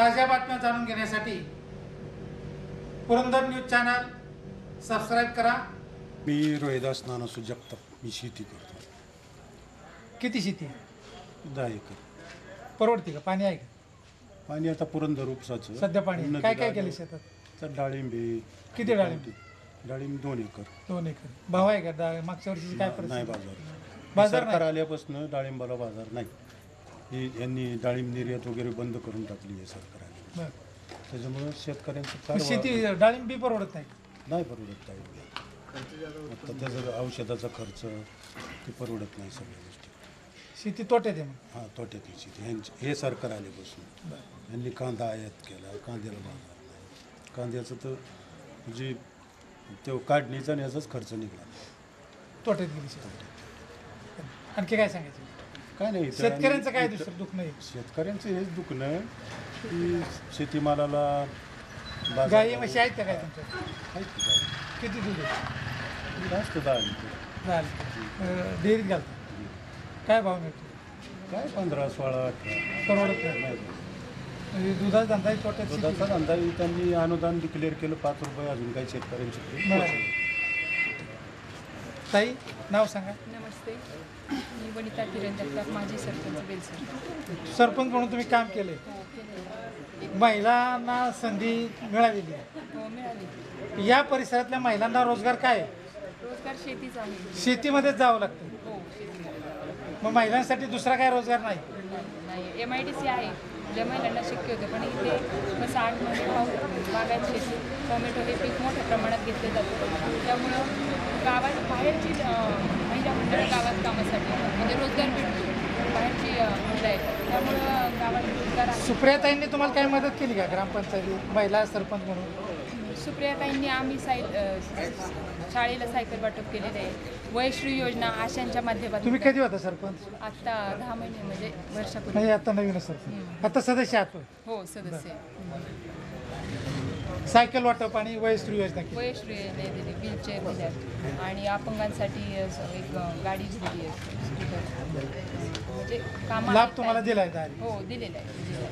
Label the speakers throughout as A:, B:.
A: ताज्या बातम्या जाणून घेण्यासाठी पुरंदर न्यूज चॅनल सबस्क्राईब करा।
B: मी रोहिदास नानासू जगताप, मी शेती करतो।
A: किती शेती?
B: 10 एकर।
A: परवडते का? पाणी आहे का?
B: पाणी आता पुरंदर उपसाचं
A: सध्या पाणी काय काय केलं शेतात?
B: तर डाळिंबे।
A: किती डाळिंब?
B: डाळिंब 2 एकर।
A: 2 एकर। भाव आहे का? मागच्या वर्षी काय
B: नाही
A: परिस्थिती?
B: बाजार सरकार आल्यापासून डाळिंबाला बाजार नाही। ही यांनी डाळिंब निर्यात वगैरे बंद करून टाकली आहे सरकारने। त्याच्यामुळे शेतकऱ्यांचं
A: शेती डाळिंब बी परवडत
B: नाही परवडत काय। आता त्याचा औषधाचा खर्च ते परवडत नाही सगळ्या गोष्टी।
A: शेती तोट्यात आहे मग?
B: हां, तोट्यातली शेती। हे सरकार आल्यापासून यांनी कांदा आयात केला, कांद्याला बाजार नाही। कांद्याचं तर म्हणजे तो काढणीचा आणि याचाच खर्च निघाला।
A: तोट्यात गेली शेती। आणखी काय सांगायचं?
B: काय नाही,
A: शेतकऱ्यांचं काय दुसरं दुःख नाही?
B: शेतकऱ्यांचं हेच दुखणं की शेतीमालाला
A: गाई म्हशी आहेत का काय तुमच्या?
B: आहेत की गाई?
A: किती दूध आहे?
B: जास्त 10 लिटर
A: झालं। डेअरीत घालतो काय भाव मिळतो?
B: काय 15, 16, 18
A: परवडत नाही। म्हणजे दुधाचा धंदा आहे तोट्यात?
B: दुधाचा धंदा त्यांनी अनुदान डिक्लेअर केलं 5 रुपये, अजून काही शेतकऱ्यांची।
A: ताई नाव सांगा।
C: नमस्ते, मी वनिता किरण जगताप, माजी सरपंच बेलसर।
A: सरपंच म्हणून तुम्ही काम केले,
C: हो केले।
A: महिलांना संधी मिळालेली आहे।
C: हो मिळाली।
A: या परिसरातल्या महिलांना रोजगार काय आहे?
C: रोजगार शेतीच आहे।
A: शेतीमध्येच जावं लागतं।
C: हो शेती
A: मग महिलांसाठी दुसरा काय रोजगार नाही?
C: नाही। MIDC आहे ज्या महिलांना शक्य होतं, पण इथे कसं 8 महिने पाऊस, बागायत शेती, टोमॅटो हे पीक मोठ्या प्रमाणात घेतले जातं। त्यामुळं गावात बाहेरची महिला मंडळ गावात कामासाठी म्हणजे रोजगार भेटतो, बाहेरची महिला आहेत त्यामुळं गावात रोजगार आहे।
A: सुप्रियाताईंनी तुम्हाला काही मदत केली का ग्रामपंचायतीत महिला सरपंच म्हणून?
C: सुप्रियाताईंनी आम्ही शाळेला सायकल वाटप केलेलं आहे। वयश्री योजना आशांच्या माध्यमातून।
A: तुम्ही कधी होता सरपंच?
C: आत्ता 10 महिने म्हणजे वर्षापूर्वी।
A: नाही, आता नवीन सरपंच। आता सदस्य आहात?
C: हो सदस्य।
A: सायकल वाटप आणि वयस्त्री योजना केली।
C: वयश्री योजना दिली, व्हीलचेअर दिल्यात आणि अपंगांसाठी एक गाडी दिलेली आहे म्हणजे कामाला
A: लाभ तुम्हाला दिला आहे?
C: हो दिलेला आहे।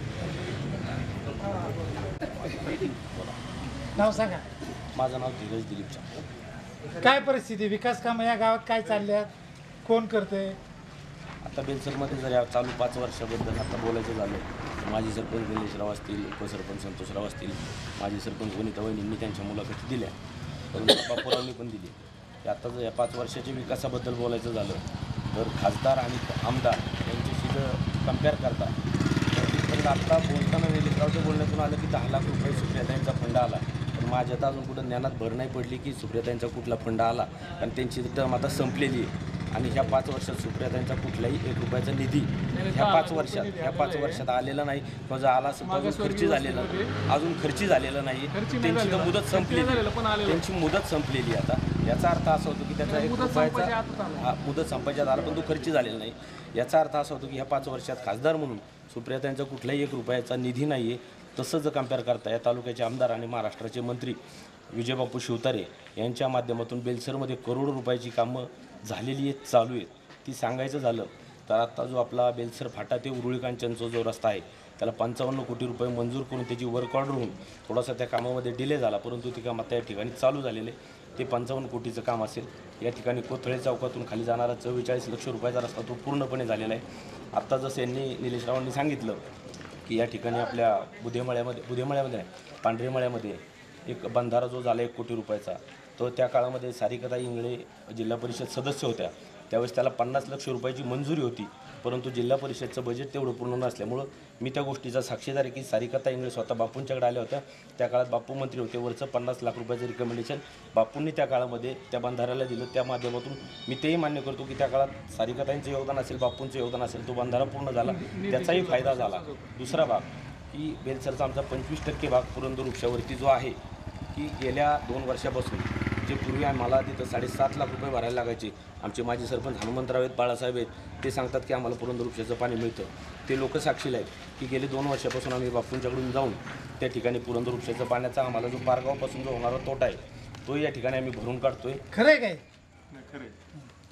A: नाव सांगा।
D: माझं नाव धीरज दिलीप चांगलं।
A: काय परिस्थिती, विकास कामं या गावात काय चालल्यात, कोण करते?
D: आता बेलसरमध्ये जर या चालू 5 वर्षाबद्दल आता बोलायचं झालं, माजी सरपंच निलेशराव असतील, उपसरपंच संतोषराव असतील, माजी सरपंच वनिता वहिनींनी त्यांच्या मुलाखती दिल्या, परंतु बापूरावनी पण दिली। आता जर या 5 वर्षाच्या विकासाबद्दल बोलायचं झालं तर खासदार आणि आमदार यांच्याशी जर कम्पेअर करता तर आत्ता बोलताना निलेशरावच्या बोलण्यातून आलं की 10 लाख रुपये सुप्रियाताईंचा फंड आला, पण माझ्या तर अजून कुठं ज्ञानात भर नाही पडली की सुप्रियाताईंचा कुठला फंड आला, कारण त्यांची टर्म आता संपलेली आहे। आणि ह्या 5 वर्षात सुप्रियाताईंचा कुठलाही 1 रुपयाचा निधी ह्या 5 वर्षात आलेला नाही, किंवा जर आला असेल तर अजून खर्ची झालेला नाही। त्यांची तर मुदत संपलेली, त्यांची मुदत संपलेली आता। याचा अर्थ असा होतो की त्याचा 1 रुपयाचा मुदत संपायच्यात आला पण तो खर्ची झालेला नाही। याचा अर्थ असा होतो की ह्या 5 वर्षात खासदार म्हणून सुप्रियाताईंचा कुठलाही 1 रुपयाचा निधी नाही आहे। तसं जर कम्पेअर करता या तालुक्याचे आमदार आणि महाराष्ट्राचे मंत्री विजयबापू शिवतारे यांच्या माध्यमातून बेलसरमध्ये करोडो रुपयाची कामं झालेली आहेत, चालू आहेत। ती सांगायचं झालं तर आत्ता जो आपला बेलसर फाटा ते उरुळी कांचनचा जो रस्ता आहे त्याला 55 कोटी रुपये मंजूर करून त्याची वर्क ऑर्डर होऊन थोडासा त्या कामामध्ये डिले झाला, परंतु ती काम आता या ठिकाणी चालू झालेले। ते 55 कोटीचं काम असेल। या ठिकाणी कोथळे चौकातून खाली जाणारा 44 लक्ष रुपयाचा रस्ता तो पूर्णपणे झालेला आहे। आत्ता जसं यांनी निलेशरावांनी सांगितलं की या ठिकाणी आपल्या बुधेमाळ्यामध्ये पांढरेमाळ्यामध्ये एक बंधारा जो झाला 1 कोटी रुपयाचा, तो त्या काळामध्ये सारिकाता इंगळे जिल्हा परिषद सदस्य होत्या त्यावेळेस त्याला 50 लक्ष रुपयाची मंजुरी होती, परंतु जिल्हा परिषदचं बजेट तेवढं पूर्ण नसल्यामुळं मी त्या गोष्टीचा साक्षीदार आहे की सारिकाता इंगळे स्वतः बापूंच्याकडे आल्या होत्या। त्या काळात बापू मंत्री होते, वरचं 50 लाख रुपयाचं रिकमेंडेशन बापूंनी त्या काळामध्ये त्या बंधाऱ्याला दिलं। त्या माध्यमातून मी तेही मान्य करतो की त्या काळात सारिकाताईंचं योगदान असेल, बापूंचं योगदान असेल, तो बंधारा पूर्ण झाला, त्याचाही फायदा झाला। दुसरा भाग की बेलसरचा आमचा 25% भाग पुरंदर उपशावरती जो आहे की गेल्या 2 वर्षापासून जे पूर्वी आम्हाला तिथं 7.5 लाख रुपये भरायला लागायचे, आमचे माजी सरपंच हनुमंतराव आहेत, बाळासाहेब आहेत, ते सांगतात की आम्हाला पुरंदर उपशाचं पाणी मिळतं। ते लोक साक्षीला आहेत की गेले 2 वर्षापासून आम्ही बापूंच्याकडून जाऊन त्या ठिकाणी पुरंदर उपशाचं पाण्याचा आम्हाला जो पारगावपासून जो होणारा तोटा आहे तो या ठिकाणी आम्ही भरून काढतोय।
A: खरं आहे काय?
D: हां,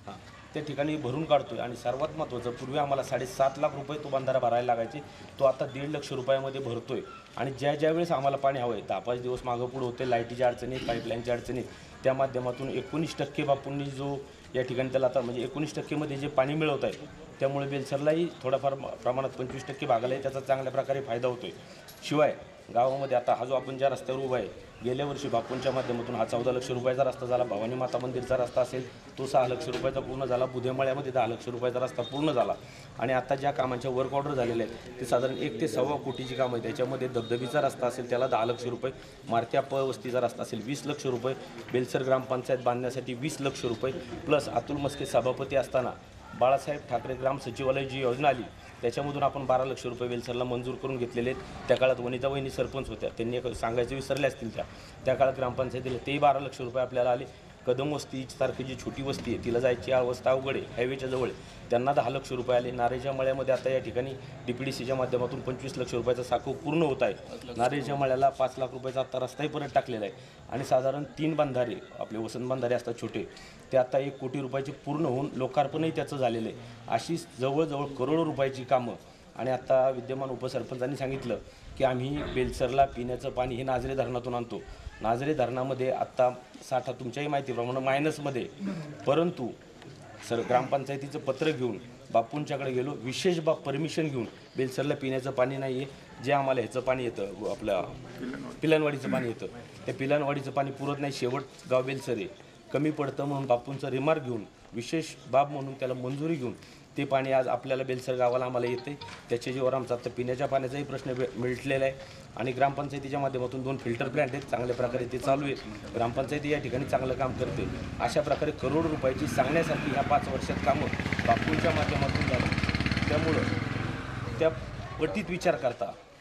D: त्या ठिकाणी भरून काढतोय. आणि सर्वात महत्त्वाचं, पूर्वी आम्हाला 7.5 लाख रुपये तो बंधारा भरायला लागायचे, तो आता 1.5 लाख रुपयामध्ये भरतोय. आणि ज्या वेळेस आम्हाला पाणी हवं आहे, 10-5 दिवस मागं पुढं होते, लाईटीच्या अडचणी, पाईपलाईनच्या अडचणी, त्या माध्यमातून 19% बापूंनी जो या ठिकाणी त्याला आता म्हणजे 19%मध्ये जे पाणी मिळवत आहे, त्यामुळे बेलसरलाही थोडाफार प्रमाणात 25% भागालाही त्याचा चांगल्या प्रकारे फायदा होतोय. शिवाय गावामध्ये आता हा जो आपण ज्या रस्त्यावर उभा आहे, गेल्या वर्षी बापूंच्या माध्यमातून हा 14 लाख रुपयाचा रस्ता झाला. भवानी माता मंदिरचा रस्ता असेल तो 6 लाख रुपयाचा पूर्ण झाला. बुधेमाळ्यामध्ये 10 लाख रुपयाचा रस्ता पूर्ण झाला. आणि आता ज्या कामांच्या वर्क ऑर्डर झालेले आहेत ते साधारण 1 ते 1.25 कोटीची कामं आहे. त्याच्यामध्ये धबधबीचा रस्ता असेल त्याला 10 लाख रुपये, मारत्या वस्तीचा रस्ता असेल 20 लाख रुपये, बेलसर ग्रामपंचायत बांधण्यासाठी 20 लाख रुपये, प्लस अतुल मस्के सभापती असताना बाळासाहेब ठाकरे ग्राम सचिवालय जी योजना आली त्याच्यामधून आपण 12 लाख रुपये बेलसरला मंजूर करून घेतलेले आहेत. त्या काळात वनिता वहिनी सरपंच होत्या, त्यांनी सांगायचे विसरले असतील त्या काळात ग्रामपंचायतीला तेही 12 लाख रुपये आपल्याला आले. कदम वस्ती सारखी जी छोटी वस्ती आहे तिला जायची अवस्था अवघड आहे, हायवेच्या जवळ, त्यांना 10 लाख रुपये आले. नारेच्या मळ्यामध्ये आता या ठिकाणी DPDCच्या माध्यमातून 25 लाख रुपयाचा साखू पूर्ण होत आहे. नारेच्या मळ्याला 5 लाख रुपयाचा आता रस्ताही परत टाकलेला आहे. आणि साधारण 3 बंधारे आपले वसंत बंधारे असतात छोटे, ते आता 1 कोटी रुपयाचे पूर्ण होऊन लोकार्पणही त्याचं झालेलं आहे. अशी जवळजवळ करोडो रुपयाची कामं. आणि आता विद्यमान उपसरपंचांनी सांगितलं की आम्ही बेलसरला पिण्याचं पाणी हे नाझरे धरणातून आणतो. नाझरे धरणामध्ये आत्ता साठा तुमच्याही माहितीप्रमाणे मायनसमध्ये, परंतु ग्रामपंचायतीचं पत्र घेऊन बापूंच्याकडे गेलो, विशेष परमिशन घेऊन बेलसरला पिण्याचं पाणी नाही आहे, जे आम्हाला ह्याचं पाणी येतं आपल्या पिलानवाडीचं पाणी येतं, त्या पिलानवाडीचं पाणी पुरत नाही, शेवट गाव बेलसर आहे, कमी पडतं म्हणून बापूंचा रिमार्क घेऊन विशेष बाब म्हणून त्याला मंजुरी घेऊन ते पाणी आज आपल्याला बेलसर गावाला आम्हाला येते. त्याच्या जीवावर आमचा आता पिण्याच्या पाण्याचाही प्रश्न मिटलेला आहे. आणि ग्रामपंचायतीच्या माध्यमातून 2 फिल्टर प्लॅन्ट आहेत, चांगल्या प्रकारे ते चालू आहेत. ग्रामपंचायती या ठिकाणी चांगलं काम करते. अशा प्रकारे करोड रुपयाची सांगण्यासारखी ह्या 5 वर्षात कामं बापूंच्या माध्यमातून झाली. त्यामुळं त्या पटीत विचार करता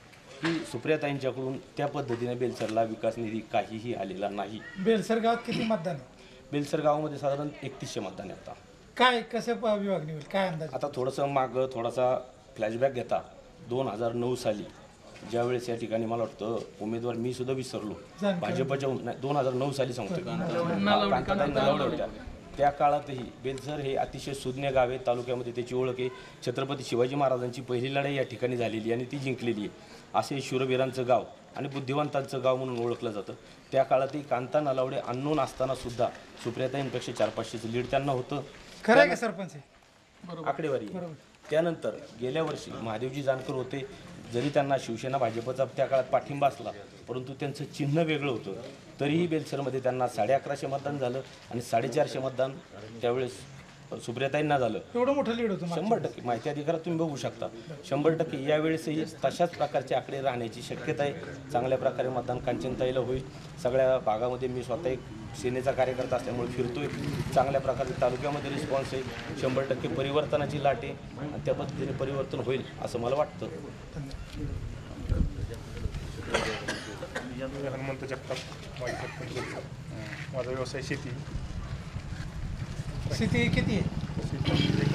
D: की सुप्रियाताईंच्याकडून त्या पद्धतीने बेलसरला विकास निधी काहीही आलेला नाही.
A: बेलसर गावात किती मतदान आहे?
D: बेलसर गावामध्ये साधारण 3100 मतदान आहे. आता
A: काय कसं विभागणी होईल, काय अंदाज?
D: आता थोडासा थोडासा फ्लॅशबॅक घेता 2009 साली ज्यावेळेस या ठिकाणी मला वाटतं उमेदवार मी सुद्धा विसरलो, भाजपच्या 2009 साली सांगतोय, कांताताई नलावडे होत्या. त्या काळातही बेलसर हे अतिशय सुज्ञ गाव आहे. तालुक्यामध्ये त्याची ओळख आहे. छत्रपती शिवाजी महाराजांची पहिली लढाई या ठिकाणी झालेली आणि ती जिंकलेली आहे. असे शूरवीरांचं गाव आणि बुद्धिवंतांचं गाव म्हणून ओळखलं जातं. त्या काळातही कांता नलावडे अननोन असताना सुद्धा सुप्रियाताईंपेक्षा 400-500चं लीड त्यांना होतं.
A: खरं आहे का सरपंच?
D: आकडेवारी. त्यानंतर गेल्या वर्षी महादेवजी जानकर होते, जरी त्यांना शिवसेना भाजपचा त्या काळात पाठिंबा असला परंतु त्यांचं चिन्ह वेगळं होतं, तरीही बेलसरमध्ये त्यांना 1150 मतदान झालं आणि 450 मतदान त्यावेळेस सुप्रियाताईंना झालं.
A: एवढं मोठं लीड होतं?
D: 100% माहिती अधिकारात तुम्ही बघू शकता. 100% यावेळेसही तशाच प्रकारचे आकडे राहण्याची शक्यता आहे. चांगल्या प्रकारे मतदान कांचनताईला होईल. सगळ्या भागामध्ये मी स्वतः एक सेनेचा कार्यकर्ता असल्यामुळे फिरतोय. चांगल्या प्रकारे तालुक्यामध्ये रिस्पॉन्स आहे. 100% परिवर्तनाची लाट आहे आणि त्या पद्धतीने परिवर्तन होईल असं मला वाटतं.
E: हनुमंत जगताप, माझी सरपंच. माझा व्यवसाय शेती.
A: शेती किती आहे?
E: शेती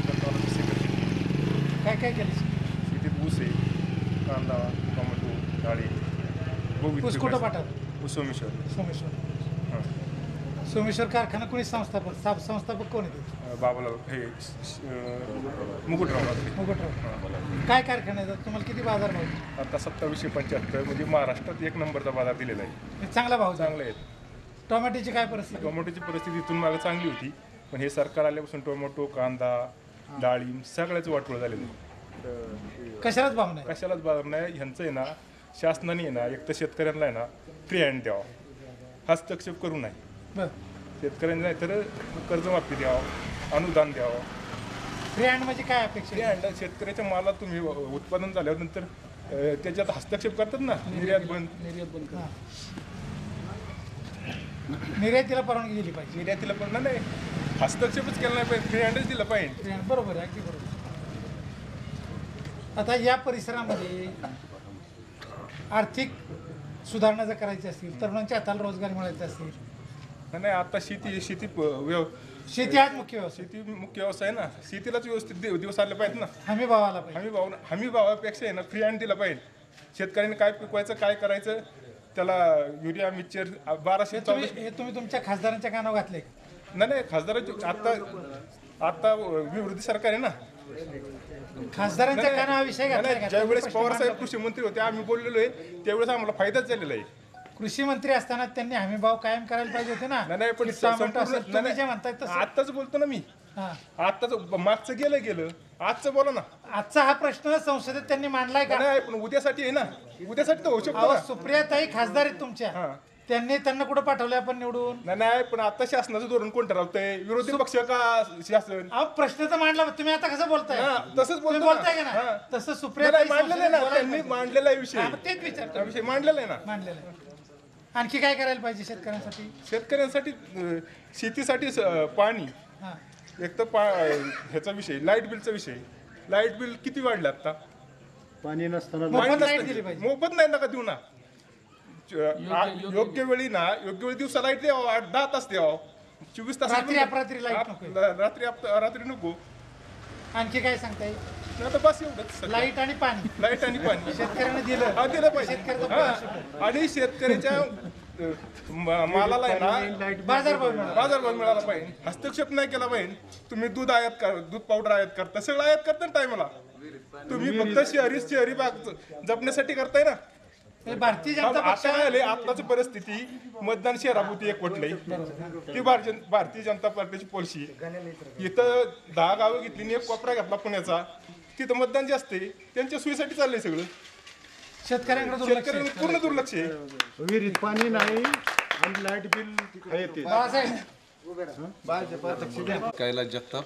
A: काय काय केलं?
E: शेतीत ऊस आहे, कांदा, टोमॅटो, डाळी,
A: ऊस कुठं पाठवलं?
E: सोमेश्वर.
A: सोमेश्वर.
E: हां.
A: सोमेश्वर कारखाना कोणी संस्थापक कोण आहे?
E: बाबाला हे मुकुटराव.
A: मुकुटराव. काय कारखाना आहे? तुम्हाला किती बाजार भाव?
E: आता 2775 म्हणजे महाराष्ट्रात 1 नंबरचा बाजार दिलेला आहे.
A: चांगला भाव
E: चांगले आहेत.
A: टोमॅटोची काय परिस्थिती?
E: टोमॅटोची परिस्थिती इथून मागे चांगली होती, पण हे सरकार आल्यापासून टोमॅटो, कांदा, डाळिंब सगळ्याच वाटोळ झालेलं आहे.
A: कशालाच भाव नाही?
E: कशालाच बाजार नाही. ह्यांचं आहे ना, शासनाने आहे ना, एक तर शेतकऱ्यांना आहे ना फ्री हँड द्यावा, हस्तक्षेप करू नये.
A: बरं.
E: शेतकऱ्यांना नाही तर कर्जमाफी द्यावं, अनुदान द्यावं.
A: फ्री हँड म्हणजे काय अपेक्षा?
E: फ्री हँड शेतकऱ्याच्या माला तुम्ही उत्पादन झाल्यावर नंतर त्याच्यात हस्तक्षेप करतात ना, निर्यात बंद.
A: निर्यातीला परवानगी दिली पाहिजे.
E: निर्यातीला पण नाही, हस्तक्षेपच केला नाही पाहिजे, फ्री हँडच दिला पाहिजे.
A: बरोबर आहे, अगदी बरोबर. आता या परिसरामध्ये आर्थिक सुधारणा जर करायची असतील, तरुणांच्या हाताला रोजगार मिळायचे असतील,
E: नाही आता
A: शेती हाच मुख्य व्यवसाय.
E: शेती मुख्य व्यवसाय ना, शेतीलाच व्यवस्थित दिवस आले पाहिजेत ना.
A: हमी भावाला पाहिजे.
E: हमी भावापेक्षा आहे ना फ्री हँड दिला पाहिजे. शेतकऱ्यांनी काय पिकवायचं, काय करायचं, त्याला युरिया मिक्सचर 1200.
A: तुम्ही तुमच्या खासदारांच्या कानावर घातले?
E: नाही, खासदारांची आता आता विरोधी सरकार आहे ना.
A: खासदारांच्या काना हा विषय घातलाय का?
E: ज्यावेळेस पवार साहेब कृषी मंत्री होते आम्ही बोललेलो आहे त्यावेळेस आम्हाला फायदाच झालेला आहे.
A: कृषी मंत्री असताना त्यांनी हमी भाव कायम करायला पाहिजे होते ना.
E: नाही पण
A: टोमॅटो असेल, तुम्ही जे म्हणताय तसं.
E: आत्ताच बोलतो ना मी.
A: हा.
E: आत्ताच मागचं गेलं आजचं बोला ना.
A: आजचा हा प्रश्न संसदेत त्यांनी मांडलाय का?
E: नाही पण उद्यासाठी आहे ना. उद्यासाठी तर होऊ शकतो
A: अहो,
E: ना.
A: सुप्रियाताई खासदार आहेत तुमच्या.
E: हा.
A: त्यांना कुठं पाठवलंय आपण निवडून?
E: नाही पण आता शासनाचं धोरण कोण ठरवतंय? विरोधी पक्ष का शासन?
A: अहो, प्रश्न तर मांडला, तुम्ही आता कसं बोलताय?
E: हा, तसंच
A: तुम्ही
E: बोलतो
A: बोलताय का
E: ना.
A: ना
E: हा.
A: तसं
E: नाही,
A: सुप्रियाताई
E: मांडलेलं आहे ना
A: संसदेत
E: त्यांनी
A: बोलायला
E: मांडलेला आहे
A: पाहिजे. हा,
E: विषय.
A: मग तेच विचारतो.
E: हा विषय मांडलेला आहे ना.
A: मांडलेलं आहे. आणखी काय करायला पाहिजे शेतकऱ्यांसाठी?
E: शेतकऱ्यांसाठी शेतीसाठी पाणी
A: हा.
E: एक तर ह्याचा विषय लाईट बिलचा विषय. लाईट बिल किती वाढलं आता?
B: पाणी नसताना
A: मोफत लाईट दिली पाहिजे.
E: मोफत नाही नका देऊ ना. योग्य वेळी दिवसा लाईट द्यावं, 8-10 तास द्यावं. 24 तास
A: रात्री अपरात्री लाईट नको.
E: रात्री नको.
A: आणखी काय सांगता येईल?
E: नाही तर बस एवढंच.
A: लाईट आणि पाणी
E: लाईट आणि पाणी
A: शेतकऱ्यांना दिलं.
E: हा दिलं पाहिजे.
A: शेतकऱ्याचा
E: हा. आणि शेतकऱ्याच्या मालाला आहे ना
A: बाजारभाव मिळाला.
E: बाजारभाव मिळाला पाहिजे. हस्तक्षेप नाही केला पाहिजे. तुम्ही दूध पावडर आयात करता, सगळं आयात करता ना टायमाला. तुम्ही फक्त शहरी भाग जपण्यासाठी करताय ना.
A: हे भारतीय जनता
E: आता
A: पक्ष
E: काय झाले आताची परिस्थिती मतदान शहराभोवती एकवटलंय की भारतीय जनता पार्टीची पॉलिसी. इथं 10 गावं घेतली आणि एक कोपरा घेतला पुण्याचा. तिथं मतदान जास्त आहे. त्यांच्या सोयीसाठी चाललंय सगळं.
A: शेतकऱ्यांकडे दुर्लक्ष आहे.
E: शेतकऱ्यांना पूर्ण दुर्लक्ष आहे.
B: विहिरीत पाणी नाही आणि लाईट बिल येते.
A: बाळासाहेब,
F: कैलास जगताप.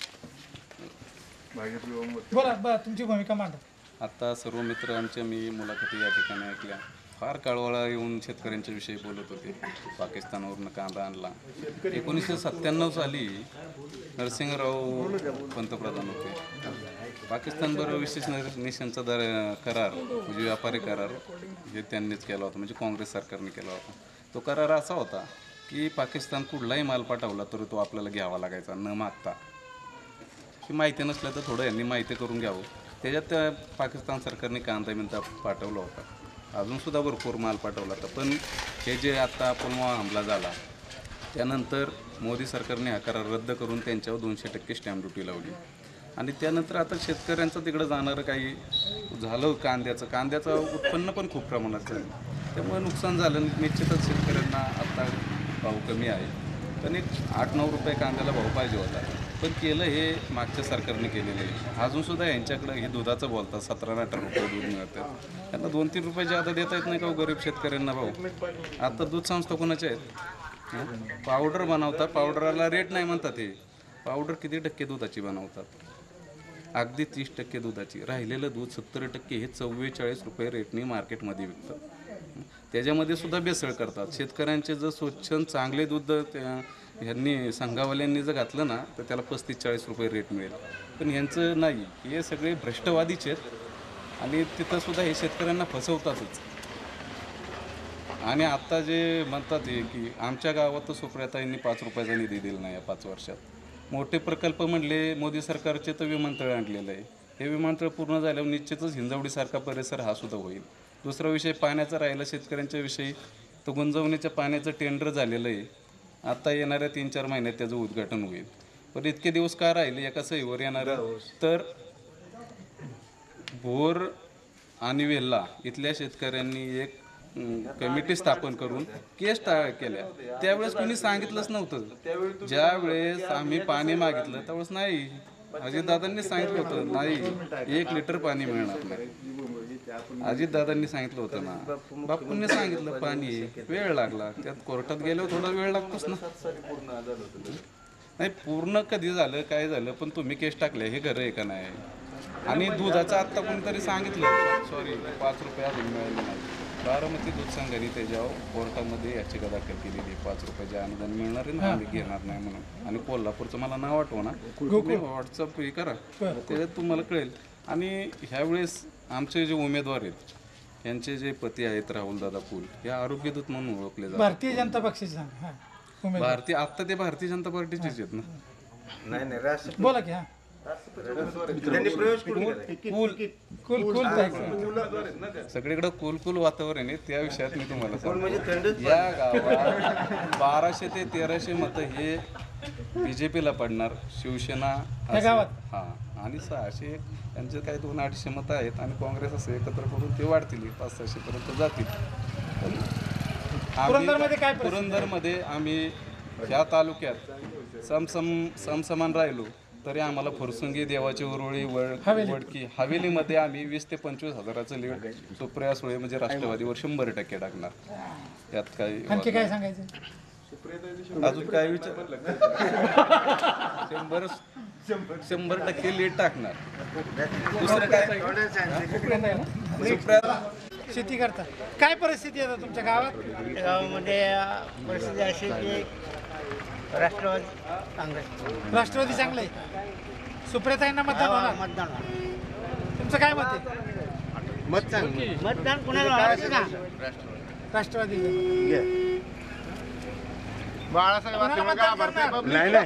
A: बोला तुमची भूमिका मांडा.
F: आता सर्व मित्र आमच्या मी मुलाखती या ठिकाणी ऐकल्या. फार काळवळा येऊन शेतकऱ्यांच्या विषयी बोलत होते. पाकिस्तानवरून कांदा आणला. 1997 साली नरसिंहराव पंतप्रधान होते. पाकिस्तानबरोबर विशेष निशांचा करार म्हणजे व्यापारी करार हे त्यांनीच केला होता, म्हणजे काँग्रेस सरकारने केला होता. तो करार असा होता की पाकिस्तान कुठलाही माल पाठवला तर तो आपल्याला घ्यावा लागायचा न मागता. ही माहिती नसलं तर थोडं यांनी माहिती करून घ्यावं. त्याच्यात पाकिस्तान सरकारने कांदा मिंता पाठवला होता. अजूनसुद्धा भरपूर माल पाठवला होता. पण हे जे आत्ता पुलवामा हमला झाला त्यानंतर मोदी सरकारने हा करार रद्द करून त्यांच्यावर 200% स्टॅम्प ड्युटी लावली. आणि त्यानंतर आता शेतकऱ्यांचं तिकडं जाणारं काही झालं. कांद्याचं उत्पन्न पण खूप प्रमाणात झालं. त्यामुळे नुकसान झालं. निश्चितच शेतकऱ्यांना आत्ता भाव कमी आहे. पण एक 8-9 रुपये कांद्याला भाव पाहिजे होता. पण केलं हे मागच्या सरकारने केलेलं आहे. अजूनसुद्धा यांच्याकडं हे दुधाचं बोलतात 17-18 रुपये दूध मिळतं. त्यांना 2-3 रुपये जादा देता येत नाही का गरीब शेतकऱ्यांना भाऊ? आता दूध संस्था कोणाच्या आहेत? पावडर बनवतात. पावडरला रेट नाही म्हणतात. हे पावडर किती टक्के दुधाची बनवतात? अगदी 30% दुधाची. राहिलेलं दूध 70% हे 44 रुपये रेटने मार्केटमध्ये विकतात. त्याच्यामध्ये सुद्धा भेसळ करतात. शेतकऱ्यांचे जर स्वच्छ चांगले दूध ह्यांनी संघावाल्यांनी जर घातलं ना तर त्याला 35-40 रुपये रेट मिळेल. पण ह्यांचं नाही. हे सगळे भ्रष्टवादीच आहेत आणि तिथंसुद्धा हे शेतकऱ्यांना फसवतातच. आणि आत्ता जे म्हणतात हे की आमच्या गावात तर सुप्रियाताईंनी 5 रुपयाचा निधी दिला नाही या 5 वर्षात. मोठे प्रकल्प म्हणले मोदी सरकारचे तर विमानतळ आणलेलं आहे. हे विमानतळ पूर्ण झाल्यावर निश्चितच हिंजवडीसारखा परिसर हा सुद्धा होईल. दुसरा विषय पाण्याचा राहिला शेतकऱ्यांच्या विषयी तर गुंजवणीच्या पाण्याचं टेंडर झालेलं आहे. आता येणाऱ्या 3-4 महिन्यात त्याचं उद्घाटन होईल. पण इतके दिवस का राहिले एका सहीवर येणारं? तर भोर आणि वेल्हा इथल्या शेतकऱ्यांनी एक कमिटी स्थापन करून केस केल्या. त्यावेळेस कोणी सांगितलंच नव्हतं. ज्यावेळेस आम्ही पाणी मागितलं त्यावेळेस नाही, अजितदादांनी सांगितलं होतं नाही 1 लिटर पाणी मिळणार नाही. अजितदादांनी सांगितलं होतं ना. बापूंनी सांगितलं पाणी वेळ लागला. त्यात कोर्टात गेल्यावर थोडा वेळ लागतोच ना. नाही पूर्ण कधी झालं काय झालं पण तुम्ही केस टाकले हे खरं आहे का नाही? आणि दुधाचं आत्ता कोणीतरी सांगितलं सॉरी 5 रुपये अजून मिळाले नाही. बारामती दूध संघाने त्याच्यावर कोर्टामध्ये याचिका दाखल केलेली 5 रुपयाचे अनुदान मिळणार आहे ना आम्ही घेणार नाही म्हणून. आणि कोल्हापूरचं मला नाव आठवं ना, तुम्ही व्हॉट्सअप हे करा त्याच्यात तुम्हाला कळेल. आणि ह्यावेळेस आमचे जे उमेदवार आहेत यांचे जे पती आहेत राहुलदादा फुल हे आरोग्यदूत म्हणून ओळखले जातात.
A: भारतीय जनता पक्षाचे सांगा.
F: भारतीय आत्ता ते भारतीय जनता पार्टीचेच आहेत ना.
A: बोला की. कुल जायचं.
F: सगळीकडे कुल वातावरण आहे. त्या विषयात मी तुम्हाला सांगतो, या गावात 1200 ते 1300 मतं हे BJP ला पडणार, शिवसेना
A: त्या गावात?
F: हां, आणि 600 त्यांचे काही 200-250 मतं आहेत आणि काँग्रेस असं एकत्र करून ते वाढतील, 500-600 पर्यंत जातील. पण
A: पुरंदरमध्ये काय परिस्थिती?
F: पुरंदरमध्ये आम्ही ह्या तालुक्यात समसमान राहिलो तरी आम्हाला फुरसुंगी, देवाची उरुळी, वडकी, हवेलीमध्ये आम्ही 20 ते 25 हजाराचं लीड सुप्रिया सुळे म्हणजे राष्ट्रवादीवर 100% टाकणार. यात काही
A: आणखी काय सांगायचं?
F: अजून काय विचार 100% लीड टाकणार. दुसरं काय सुप्रिया
A: शेती करता, काय परिस्थिती आहे आता तुमच्या गावात?
G: गावामध्ये परिस्थिती अशी की राष्ट्रवादी काँग्रेस
A: राष्ट्रवादी चांगलं आहे, सुप्रियाताईंना मतदान होणार.
G: मतदान होणार.
A: तुमचं काय मत आहे?
G: मतदान कुणाला होणार ना?
A: राष्ट्रवादी.
H: नाही नाही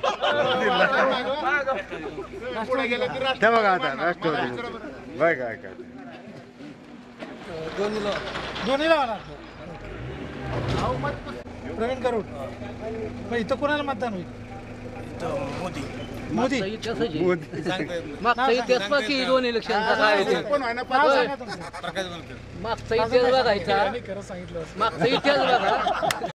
H: ते बघा आता राष्ट्रवादी बघ काय काय
A: दोन्हीला होणार. प्रवीण करूड, पण इथं कोणाला मतदान होईल? मोदी.
I: मागचा इतिहास बाकी 2 इलेक्शनचा काय होते
A: नाव सांगा तुमचं.
I: मागचा इतिहास बघायचा
A: खरं सांगितलं.
I: मागचा इतिहास बघा